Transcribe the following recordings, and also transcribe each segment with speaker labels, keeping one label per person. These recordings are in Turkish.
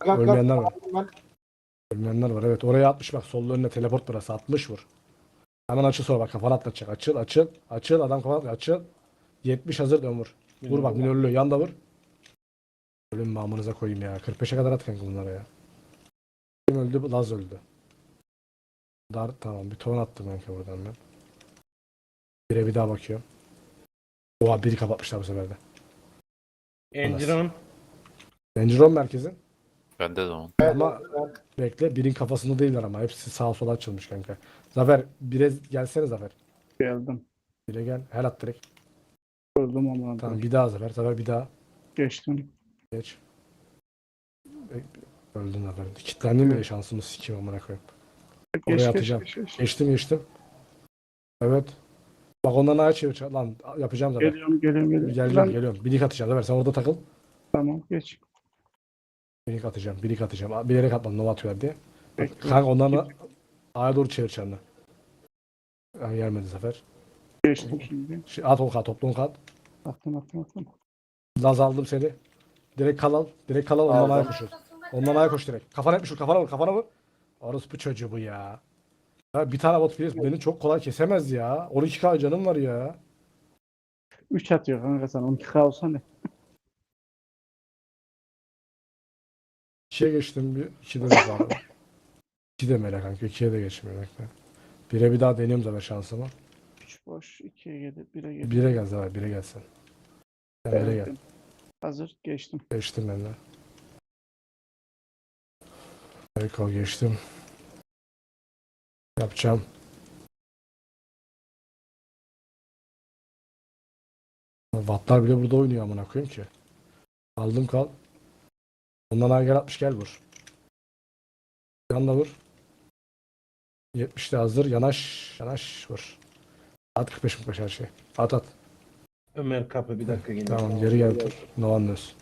Speaker 1: Ölmeyenler var.
Speaker 2: Ben
Speaker 1: Ölmeyenler var, evet. Oraya atmış bak. Sollu önüne teleport burası. 60 vur. Hemen açıl sonra bak. Kafana atlatacak. Açıl açıl. Açıl. Adam kafana açıl. 70 hazır dön vur. Vur bak minörlü. Yanda vur. Ölüm mamınıza koyayım ya. 45'e kadar at kanka bunlara ya. Kim öldü? Laz öldü. Dar tamam. Bir ton attım kanka buradan ben. Bire bir daha bakıyorum. Oha biri kapatmışlar bu sefer de.
Speaker 3: Engiron.
Speaker 1: Dangeron merkezin.
Speaker 4: Bende de on.
Speaker 1: Ama bekle. Birin kafasında değiller ama. Hepsi sağa sola açılmış kanka. Zafer bire gelsene Zafer.
Speaker 2: geldim.
Speaker 1: Bire gel. Her at direkt.
Speaker 2: Gördüm ama.
Speaker 1: Tamam bir daha Zafer. Zafer bir daha.
Speaker 2: Geçtim.
Speaker 1: Geç. Öldün Zafer. Kilitlendim mi şansımı sikeyim amına koyayım. Oraya atacağım.
Speaker 2: Geç.
Speaker 1: Geçtim. Evet. Bak ondan ayağa çevir. Lan yapacağım Zafer.
Speaker 2: Geliyorum.
Speaker 1: Geliyorum. Bir dik atacağım Zafer. Sen orada takıl.
Speaker 2: Tamam geç.
Speaker 1: Bir dik atacağım. Bilerek atmadım. Nova atıyorlar diye. Bak,
Speaker 2: Bekle.
Speaker 1: kanka ondan da ayağa doğru çevir çanını. Yani gelmedi Zafer.
Speaker 2: Geçtim şimdi.
Speaker 1: At o kat. Toplu kat.
Speaker 2: Attım.
Speaker 1: Laz aldım seni. Direkt kal al. Ondan ayağa koşur. Ondan ayağa koş direkt. Kafana etmiş vur. Kafana vur. Orası bu çocuğu bu ya. Ya bir tane bot Fierce beni çok kolay kesemez ya. 12k canım var ya.
Speaker 2: 3 atıyor kanka sen. 12K olsa ne?
Speaker 1: 2'ye geçtim bir. 2'de de var. 2 de melek kanka. 2'ye de geçmiyor bekle. 1'e bir daha deniyorum zaten şansımı.
Speaker 2: 3 boş. 2'ye geldi. 1'e geldi.
Speaker 1: 1'e gel zaten. 1'e gelsin. Sen 1'e gel.
Speaker 2: Hazır. Geçtim.
Speaker 1: Geçtim ben de. Eko geçtim. Yapacağım. Wattlar bile burada oynuyor amına koyayım ki. Aldım kal. Ondan ay gel 60 gel vur. Yanına vur. 70 de hazır. Yanaş vur. At 45 her şey. At.
Speaker 3: Ömer kapı bir dakika yine.
Speaker 1: Tamam geri gel dur. Novan dönsün.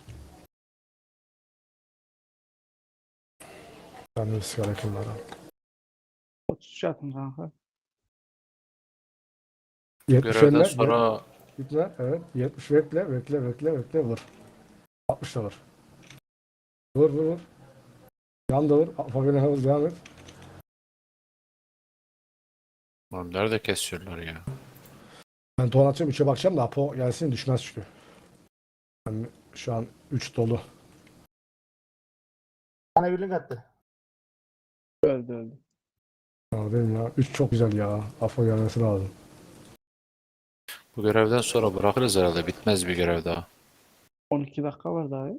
Speaker 1: Ben de sigara yakınlara.
Speaker 2: 33 atın kanka.
Speaker 1: 70
Speaker 4: Görevden
Speaker 1: elle.
Speaker 4: sonra
Speaker 1: Gitme. Evet. 70 bekle vur. 60 da vur. Vur. Yan da vur. Fabian'a hızlı devam et.
Speaker 4: oğlum nerede kesiyorlar ya?
Speaker 1: Ben ton atacağım 3'e bakacağım da Apo gelsin düşmez çünkü. Ben şu an 3 dolu.
Speaker 5: Bana bir link attı.
Speaker 2: Öldü.
Speaker 1: Ya benim ya 3 çok güzel ya. Apo gelmesi lazım.
Speaker 4: Bu görevden sonra bırakırız herhalde. Bitmez bir görev daha.
Speaker 2: 12 dakika var daha ya.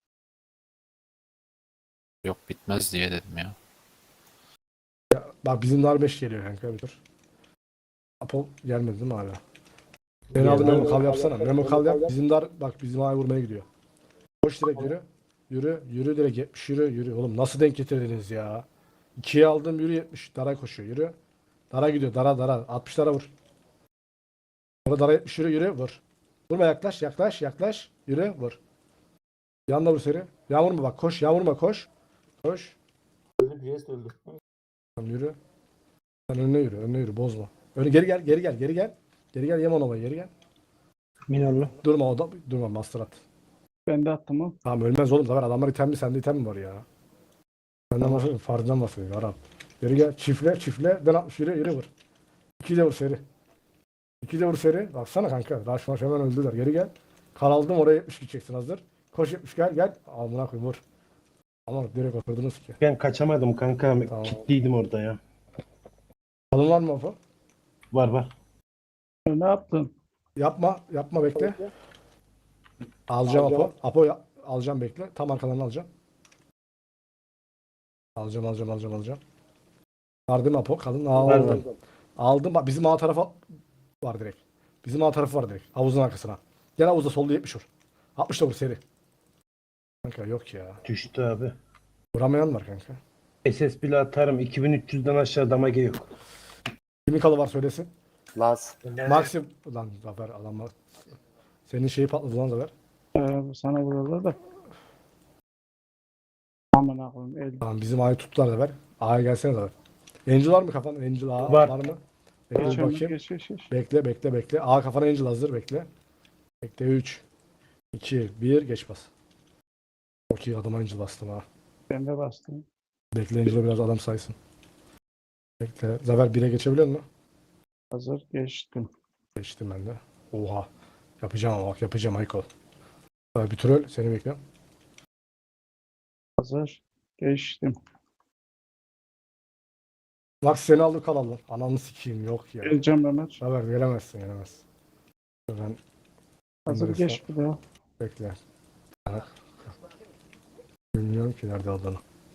Speaker 4: Yok bitmez diye dedim ya.
Speaker 1: Bak bizim dar 5 geliyor kanka bir tur. Apo gelmedi değil mi hala? Beni aldı Memo kal yapsana. Memo kal yap. Bizim dar bak bizim ay vurmaya gidiyor. Koş direkt yürü. Yürü direkt 70 yürü. Oğlum nasıl denk getirdiniz ya? 2'ye aldım yürü 70. Dara koşuyor yürü. Dara gidiyor dara. 60 dara vur. Sonra dara 70 yürü vur. Vurma yaklaş. Yürü vur. Yanına vur seri. Yağmur mu bak koş yağmurma koş. Koş.
Speaker 5: Öldü. Jest öldü.
Speaker 1: Tamam yürü. Sen önüne yürü bozma. Geri gel. Geri gel Yamanova geri gel.
Speaker 3: Minarlı.
Speaker 1: Durma master at.
Speaker 2: Ben de attım o.
Speaker 1: Tamam ölmez oğlum zaten adamlar itemli sende item mi var ya? Senden bahsediyor farkından bahsediyor Arap. Geri gel çifle ben 60 yürü vur. 2 de vur seri. 2 de vur seri. Baksana kanka. Rush hemen öldüler. Geri gel. Kal aldım oraya 70 gideceksin hazır. Koş 70 gel. Amına koyayım vur. Ama direkt oturdunuz ki.
Speaker 3: Ben kaçamadım kanka.
Speaker 1: Tamam.
Speaker 3: Kilitliydim orada ya.
Speaker 1: Kalın var mı Apo?
Speaker 3: Var.
Speaker 2: Ne yaptın?
Speaker 1: Yapma bekle. Alacağım Apo. Alacağım bekle. Tam arkadan alacağım. Alacağım. Vardı mı Apo? Kalın aldım. Aldım. Bak bizim A tarafa var direkt. Bizim A tarafı var direkt. Havuzun arkasına. Gel havuzda solda 70 vur. 60 da vur seri. Kanka yok ya.
Speaker 3: Düştü abi.
Speaker 1: Vuramayan var kanka.
Speaker 3: SS bile atarım. 2300'den aşağı damage yok.
Speaker 1: Kimin kalı var söylesin.
Speaker 5: Las.
Speaker 1: Maxim. Lan Zafer alamaz. Senin şeyi patladı lan Zafer.
Speaker 2: Sana vururlar da. Aman koyayım.
Speaker 1: Tamam bizim A'yı tuttular Zafer. A'ya gelsene Zafer. Angel var mı kafanda? Angel A
Speaker 3: Var.
Speaker 1: var mı? Bekle
Speaker 2: Geç
Speaker 1: bir
Speaker 2: önüne,
Speaker 1: bakayım.
Speaker 2: geç.
Speaker 1: Bekle. A kafana Angel hazır bekle. Bekle 3 2 1 geç bas. Çok iyi adama Angel bastım ha.
Speaker 2: Ben de bastım.
Speaker 1: Bekleyince biraz adam saysın. Bekle. Zafer 1'e geçebiliyor musun?
Speaker 2: Hazır geçtim.
Speaker 1: Geçtim ben de. Oha. Yapacağım ama bak yapacağım Aykol. Bir troll seni bekliyorum.
Speaker 2: Hazır geçtim.
Speaker 1: Bak seni aldı kalalım. Ananı sikeyim yok ya.
Speaker 2: Geleceğim Ömer.
Speaker 1: Zafer gelemezsin gelemezsin. Ben
Speaker 2: Hazır
Speaker 1: Ömer'e
Speaker 2: geç bir daha.
Speaker 1: bekle. Bak. Bilmiyorum ki nerede olduğunu.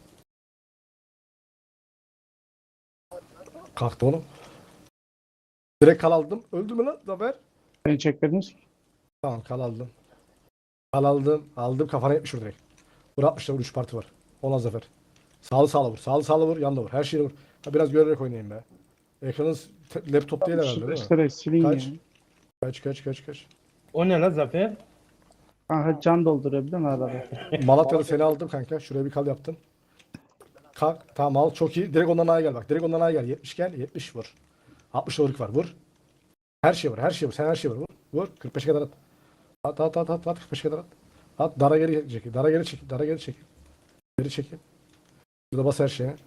Speaker 1: Kalktı oğlum. Direkt kal aldım. Öldü mü lan Zafer?
Speaker 2: Beni çekmediniz ki.
Speaker 1: Tamam kal aldım. Kal aldım. Aldım kafana 70 vur direkt. Vur 60'ta vur 3 parti var. Ona Zafer. Sağlı sağlı vur. Sağlı sağlı vur. Yanında vur. Her şeyi vur. Ha, biraz görerek oynayayım be. Ekranın laptop değil herhalde değil mi?
Speaker 2: Süreçleri silin
Speaker 1: Kaç?
Speaker 2: ya.
Speaker 1: Kaç.
Speaker 3: O ne la Zafer?
Speaker 2: Kanka can doldurabiliyor musun arada?
Speaker 1: Malatya'da seni aldım kanka. Şuraya bir kal yaptım. Kalk. Tamam al. Çok iyi. Direkt ondan aya gel bak. Direkt ondan aya gel. 70 gel. 70 vur. 60 vuruk var. Vur. Her şey vur. Her şey vur. Sen her şey vur. Vur. Vur. 45'e kadar at. At. 45'e kadar at. At. Dara geri çekil. Dara geri çekil. Dara geri çekil. Geri çekil. Burada bas her şeye.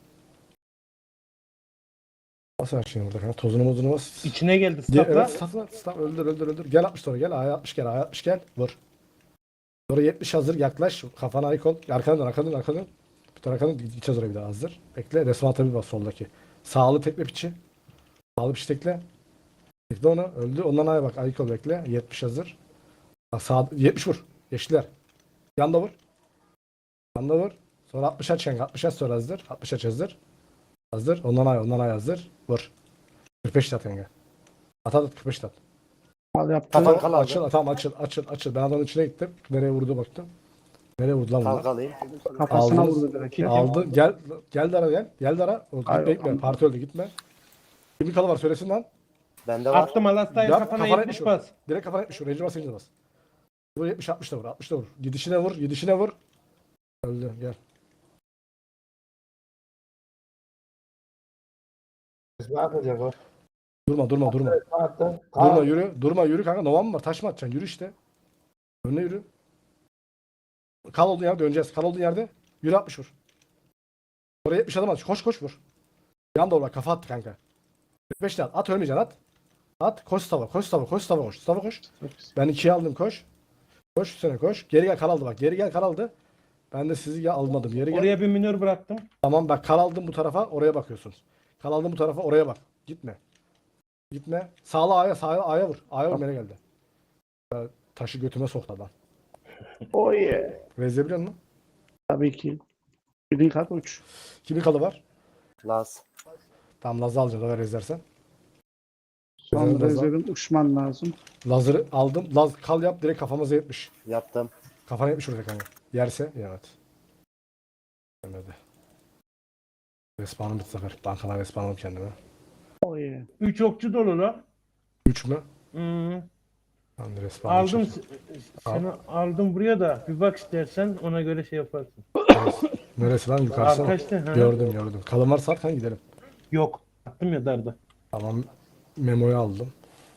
Speaker 1: Bas her şeyi burada kanka. Tozunu mozunu bas.
Speaker 3: İçine geldi
Speaker 1: Gel,
Speaker 3: stopla.
Speaker 1: evet stop. Öldür. Gel 60 sonra gel. Aya 60 gel. Aya 60 gel. Vur. Sonra 70 hazır. Yaklaş. Kafana ayık ol. Arkadan dön. Bir tane arkadan gideceğiz oraya bir daha hazır. Bekle. Resmen tabi bas soldaki. Sağlı tekle piçi. Sağlı piçi tekle. Tekle onu. Öldü. Ondan aya bak. Ayık ol bekle. 70 hazır. Bak sağ 70 vur. Yeşiller. Yanda vur. Yanda vur. Sonra 60 aç kanka. 60 aç sonra hazır. 60 aç hazır. Hazır. Ondan ay hazır. Vur. 45 at kanka. At 45 at.
Speaker 2: Al yaptım.
Speaker 5: Kafan kal aldı.
Speaker 1: Tamam açıl. Ben adamın içine gittim. Nereye vurdu baktım. Nereye vurdu lan bunlar?
Speaker 5: Kalkalayım.
Speaker 2: Kafasına
Speaker 1: Aldınız.
Speaker 2: vurdu direkt. ya.
Speaker 1: Aldı. Gel Dara gel. Gel Dara. O,
Speaker 2: Hayır,
Speaker 1: gitme.
Speaker 2: anladım.
Speaker 1: Parti öldü gitme. Kimin kalı var söylesin lan.
Speaker 5: Bende var.
Speaker 3: Attım Alasta'ya
Speaker 1: Yap,
Speaker 3: kafana
Speaker 1: kafana
Speaker 3: 70
Speaker 1: vur.
Speaker 3: bas.
Speaker 1: Direkt kafana 70 vur. Ranger bas Ranger bas. Vur 70 60 da vur. 60 da vur. Gidişine vur. Gidişine vur. Öldü. Gel.
Speaker 5: Ne yapacak o?
Speaker 1: Durma.
Speaker 5: Attı.
Speaker 1: Durma yürü kanka. Novan mı var? Taş mı atacaksın? Yürü işte. Önüne yürü. Kal olduğun yerde döneceğiz. Kal olduğun yerde. Yürü 60 vur. Oraya 70 adam at. Koş vur. Yan doğru bak. Kafa attı kanka. 45 de at. At ölmeyeceksin at. At. Koş stava. Stava koş. Ben 2'yi aldım koş. Koş üstüne koş. Geri gel kal aldı bak. Geri gel kal aldı. Ben de sizi ya almadım. Geri gel.
Speaker 3: Oraya bir minör bıraktım.
Speaker 1: Tamam bak kal aldım bu tarafa oraya bakıyorsunuz. Kal aldım bu tarafa oraya bak. Gitme. Sağa A'ya vur. A'ya vur nereye geldi. Taşı götüme soktu adam.
Speaker 2: Oh yeah.
Speaker 1: Rezebiliyor musun?
Speaker 2: Tabii ki. Bilin kat uç.
Speaker 1: Kimin kalı var?
Speaker 5: Laz.
Speaker 1: Tam Laz'ı alacağız haber rezersen.
Speaker 2: Son
Speaker 1: Rezerv Laz'ı.
Speaker 2: rezervim uçman lazım.
Speaker 1: Laz'ı aldım. Laz kal yap direkt kafamıza 70.
Speaker 5: Yaptım.
Speaker 1: Kafana 70 vuracak hani. Yerse evet. Yemedi. Respawn'ım bitti sefer. Bankadan respawn'ım kendime.
Speaker 2: Oh yeah.
Speaker 3: 3 okçu dolu la.
Speaker 1: 3 mü?
Speaker 3: Hmm.
Speaker 1: Ben de respawn'ım
Speaker 3: Aldım
Speaker 1: çekeyim.
Speaker 3: seni aldım buraya da bir bak istersen ona göre şey yaparsın.
Speaker 1: Neresi lan yukarısı mı?
Speaker 3: Arkadaşlar ha.
Speaker 1: Gördüm. Kalın varsa at kan gidelim.
Speaker 3: Yok. Attım ya darda.
Speaker 1: Tamam. Memo'yu aldım.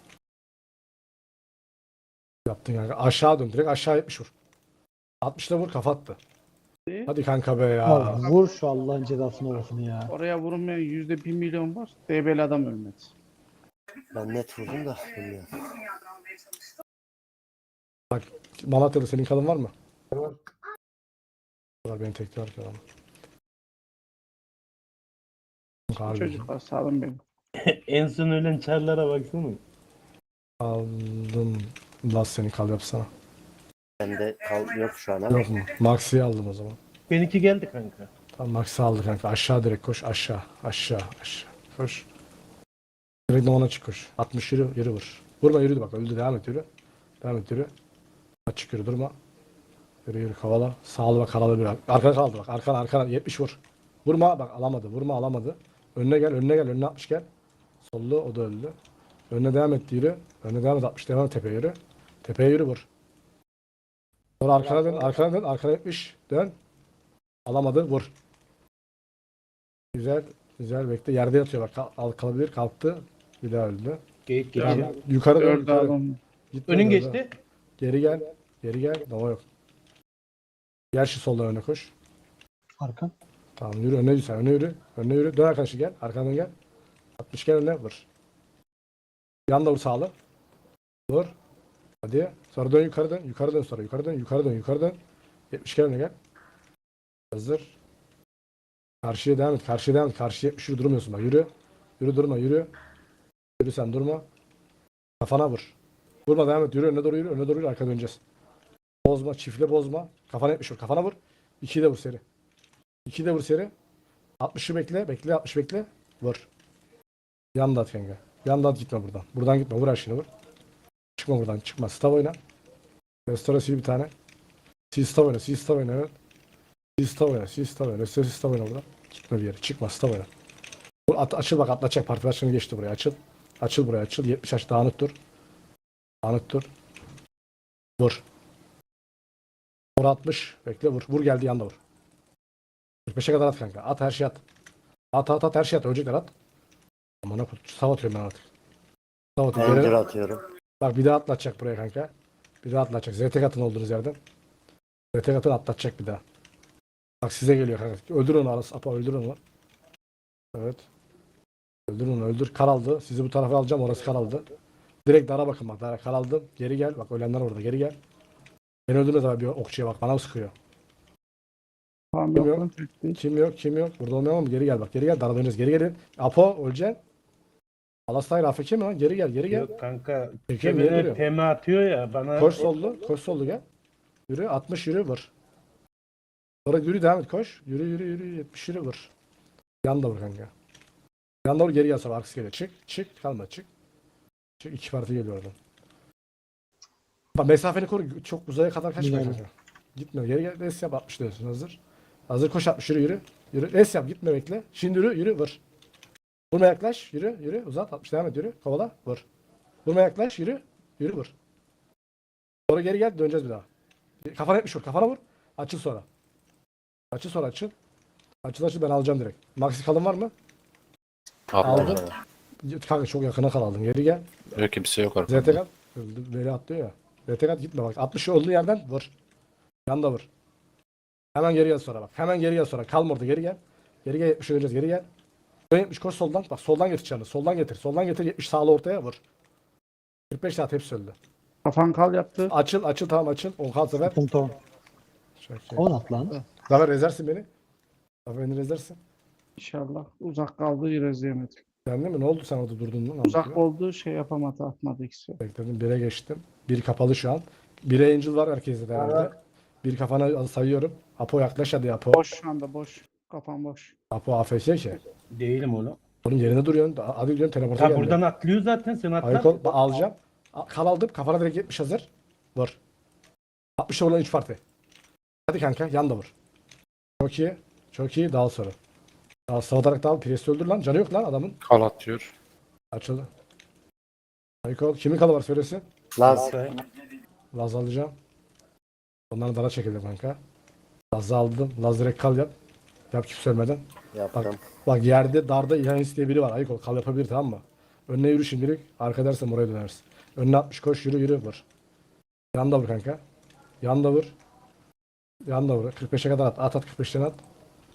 Speaker 1: Yaptın kanka. Aşağı dön. Direkt aşağı 70 vur. 60'la vur kafa attı. Hadi kanka be ya.
Speaker 6: Abi vur şu Allah'ın cezasını olsun ya.
Speaker 2: Oraya vurulmayan %1 milyon var. DB'li adam ölmedi.
Speaker 5: Ben net vurdum da bilmiyorum.
Speaker 1: Malatya'da senin kalın var mı?
Speaker 5: Var.
Speaker 1: Var beni tekrar adam. Harbi.
Speaker 2: Çocuklar sağlam benim.
Speaker 3: En son ölen çarlara baksana.
Speaker 1: Aldım. Laz seni kal yapsana.
Speaker 5: Bende kal yok şu an ama.
Speaker 1: Yok mu? Maxi'yi aldım o zaman.
Speaker 3: Benimki geldi kanka.
Speaker 1: Tamam Max'i aldı kanka. Aşağı direkt koş. Aşağı. Koş. Direkt ona çık koş. 60 yürü vur. Vurma yürü bak öldü devam et yürü. Açık yürü durma. Yürü kovala. Sağlı bak kalalı bir. Arkana kaldı bak. Arkana 70 vur. Vurma bak alamadı. Önüne gel. Önüne 60 gel. Sollu o da öldü. Önüne devam et yürü. Önüne devam et 60 devam et tepeye yürü. Tepeye yürü vur. Sonra arkana dön. Arkana 70 dön. Alamadı vur. Güzel bekle. Yerde yatıyor bak. Kalabilir kalktı. Bir daha öldü.
Speaker 3: Geyik
Speaker 2: Ya,
Speaker 3: geçti.
Speaker 1: Yukarı dön.
Speaker 2: Dördü adam.
Speaker 1: Gitme,
Speaker 3: Önün
Speaker 1: dön,
Speaker 3: geçti.
Speaker 1: dön. Geri gel. Nova yok. Gel şu soldan öne koş.
Speaker 6: Arkan.
Speaker 1: Tamam yürü önüne yürü sen. Önüne yürü. Önüne yürü. Dön arkadaşı gel. Arkandan gel. 60 gel önüne vur. Yan da vur sağlı. Vur. Hadi. Sonra dön yukarı dön. Yukarı dön sonra. Yukarı dön. Yukarı dön. Yukarı dön. 70 gel önüne gel. Hazır. Karşıya devam et. Karşıya devam et. Karşıya 70 yürü durmuyorsun bak. Yürü. Yürü durma yürü. Yürü sen durma. Kafana vur. Vurma devam et. Yürü önüne doğru yürü. Önüne doğru yürü. Arka döneceğiz. Bozma. Çiftle bozma. Kafana 70 vur. Kafana vur. 2'yi de vur seri. 2'yi de vur seri. 60'ı bekle. Bekle. 60 bekle. Vur. Yan da at kanka. Yan da at gitme buradan. Buradan gitme. Vur her şeyini vur. Çıkma buradan. Çıkma. Stav oyna. Restore sil bir tane. Sil stav oyna. Sil stav oyna. Evet. Sil stav oyna. Sil stav oyna. Restore sil stav oyna buradan. Gitme bir yere. Çıkma. Stav oyna. Açıl bak atlatacak. Parti başkanı geçti buraya. Açıl. Açıl buraya. Açıl. 70 aç. Dağınık dur. Dağınık dur. Vur. Vur 60. Bekle vur. Vur geldi yanda vur. 45'e kadar at kanka. At her şey at. At her şey at. Ölecekler at. Aman ne sav atıyorum ben artık. Sav atıyorum.
Speaker 5: Ender
Speaker 1: Görev-
Speaker 5: atıyorum.
Speaker 1: Bak bir daha atlatacak buraya kanka. Bir daha atlatacak. ZT katın olduğunuz yerden. ZT katın atlatacak bir daha. Bak size geliyor kanka. Öldür onu arası. Apa öldür onu. Evet. Öldür onu öldür. Kar aldı. Sizi bu tarafa alacağım. Orası kar aldı. Direkt dara bakın bak. Dara kar aldım. Geri gel. Bak ölenler orada. Geri gel. Beni öldürmez abi bir okçuya bak. Bana sıkıyor.
Speaker 2: Tamam
Speaker 1: Kim
Speaker 2: yok
Speaker 1: yok?
Speaker 2: lan Türk değil.
Speaker 1: Kim yok? Kim yok? Burada olmayalım mı? Geri gel bak. Geri gel. Dara döneceğiz. Geri gelin. Apo öleceksin. Alastay Rafiki mi lan? Geri gel. Geri gel.
Speaker 3: Yok kanka.
Speaker 1: Peki, niye
Speaker 3: Kemene
Speaker 1: duruyor?
Speaker 3: tema atıyor ya bana.
Speaker 1: Koş sollu. Koş sollu gel. Yürü. 60 yürü vur. Sonra yürü devam et. Koş. Yürü yürü yürü. 70 yürü vur. Yan da vur kanka. Yan da vur geri gel sonra. Arkası geliyor. Çık. Çık. Kalma. Çık. Çık. 2 parti geliyor oradan. Bak mesafeni koru. Çok uzaya kadar kaçma
Speaker 6: Güzel.
Speaker 1: kanka. Gitme. Geri gel. Res yap. 60 diyorsun. Hazır. Hazır koş 60 yürü yürü. Yürü. Res yap. Gitme bekle. Şimdi yürü. Yürü. Vur. Vurma yaklaş. Yürü. Yürü. Uzat. 60 devam et. Yürü. Kovala. Vur. Vurma yaklaş. Yürü. Yürü vur. Sonra geri gel. Döneceğiz bir daha. Kafana 70 vur. Kafana vur. Açıl sonra. Açıl sonra açıl. Açıl ben alacağım direkt. Maxi kalın var mı?
Speaker 4: Aldım.
Speaker 1: Aldım. Kanka çok yakına kal aldın. Geri gel.
Speaker 4: Yok kimse yok
Speaker 1: ZT
Speaker 4: arkamda.
Speaker 1: kat. Öldü. Böyle atlıyor ya. ZT kat gitme bak. 60 olduğu yerden vur. Yanda vur. Hemen geri gel sonra bak. Hemen geri gel sonra. Kalma orada geri gel. Geri gel 70 öleceğiz. Geri gel. 70 koş soldan. Bak soldan getir canını. Soldan getir. Soldan getir. 70 sağlı ortaya vur. 45 saat hepsi öldü.
Speaker 2: Kafan kal yaptı.
Speaker 1: Açıl açıl tamam açıl. 10 kal sefer.
Speaker 6: Sıkıntı o.
Speaker 1: Çok iyi.
Speaker 6: 10 at lan.
Speaker 1: Zafer rezersin beni. Zafer beni rezersin.
Speaker 2: İnşallah. Uzak kaldı izleyemedik.
Speaker 1: Sen değil mi? Ne oldu sen orada durdun lan?
Speaker 2: Uzak oldu şey yapamadı atmadı ikisi.
Speaker 1: Bekledim. 1'e geçtim. 1 kapalı şu an. 1'e Angel var herkeste de herhalde. 1 kafana sayıyorum. Apo yaklaş hadi Apo.
Speaker 2: Boş şu anda boş. Kafan boş.
Speaker 1: Apo AFS ki.
Speaker 3: Değilim oğlum.
Speaker 1: Oğlum yerine duruyorsun. Hadi diyorum teleporta
Speaker 3: Ha
Speaker 1: geldi.
Speaker 3: buradan atlıyor zaten sen atla.
Speaker 1: Ayık ol. Alacağım. Kal aldım. Kafana direkt 70 hazır. Vur. 60'a olan 3 parti. Hadi kanka yan da vur. Çok iyi. Çok iyi. Dal sonra. Dal savatarak dal. Presi öldür lan. Canı yok lan adamın.
Speaker 4: Kal atıyor.
Speaker 1: Açıldı. Ayık ol. Kimin kalı var söylesin.
Speaker 5: Laz.
Speaker 1: Laz alacağım. Onların dara çekildi kanka. Laz'ı aldım. Laz direkt kal yap. Yap kimse ölmeden.
Speaker 5: Yaptım.
Speaker 1: Bak yerde darda İhanis diye biri var. Ayık ol. Kal yapabilir tamam mı? Önüne yürü şimdilik. Arka dersen oraya dönersin. Önüne 60 koş yürü yürü vur. Yan da vur kanka. Yan da vur. Yan da vur. 45'e kadar at. At 45'ten at.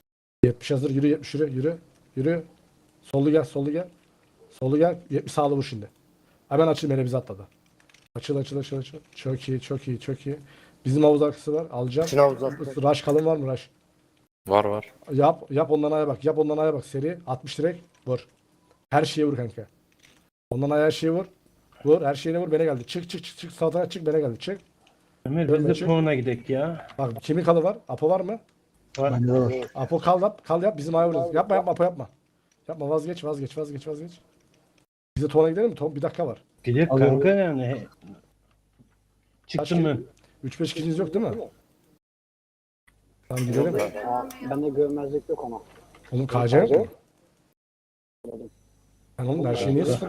Speaker 1: 70 hazır. Yürü 70 yürü. Yürü. Yürü. Sollu gel. Sollu gel. Sollu gel. 70 sağlı vur şimdi. Hemen açıl. Mele bizi atladı. Açıl açıl açıl açıl. Çok iyi çok iyi çok iyi. Bizim havuz arkası var. Alacağım.
Speaker 5: Şuna uzattım.
Speaker 1: Rush kalın var mı Rush?
Speaker 4: Var var.
Speaker 1: Yap ondan aya bak. Yap ondan aya bak. Seri 60 direkt vur. Her şeye vur kanka. Ondan aya her şeye vur. Vur her şeyine vur bana geldi. Çık çık çık çık sağ tarafa çık bana geldi. Çık.
Speaker 3: Ömer biz
Speaker 1: Ölme,
Speaker 3: de
Speaker 1: çık.
Speaker 3: puana gidek ya.
Speaker 1: Bak kimin kalı var? Apo var mı?
Speaker 3: Var.
Speaker 6: Bende de var.
Speaker 1: Apo kal yap. Kal yap. Bizim aya vuracağız. Yapma yapma Apo yapma. Yapma vazgeç vazgeç vazgeç vazgeç. Bize Tuğan'a gidelim mi? Bir dakika var.
Speaker 3: Gidek
Speaker 6: Alıyorum.
Speaker 3: kanka yani. Çıktım ben.
Speaker 1: 3-5 kişiniz yok değil mi? Tamam gidelim.
Speaker 6: Bende görmezlik yok ama.
Speaker 1: Oğlum KC yok mu? Ben oğlum her şeyi niye sıfır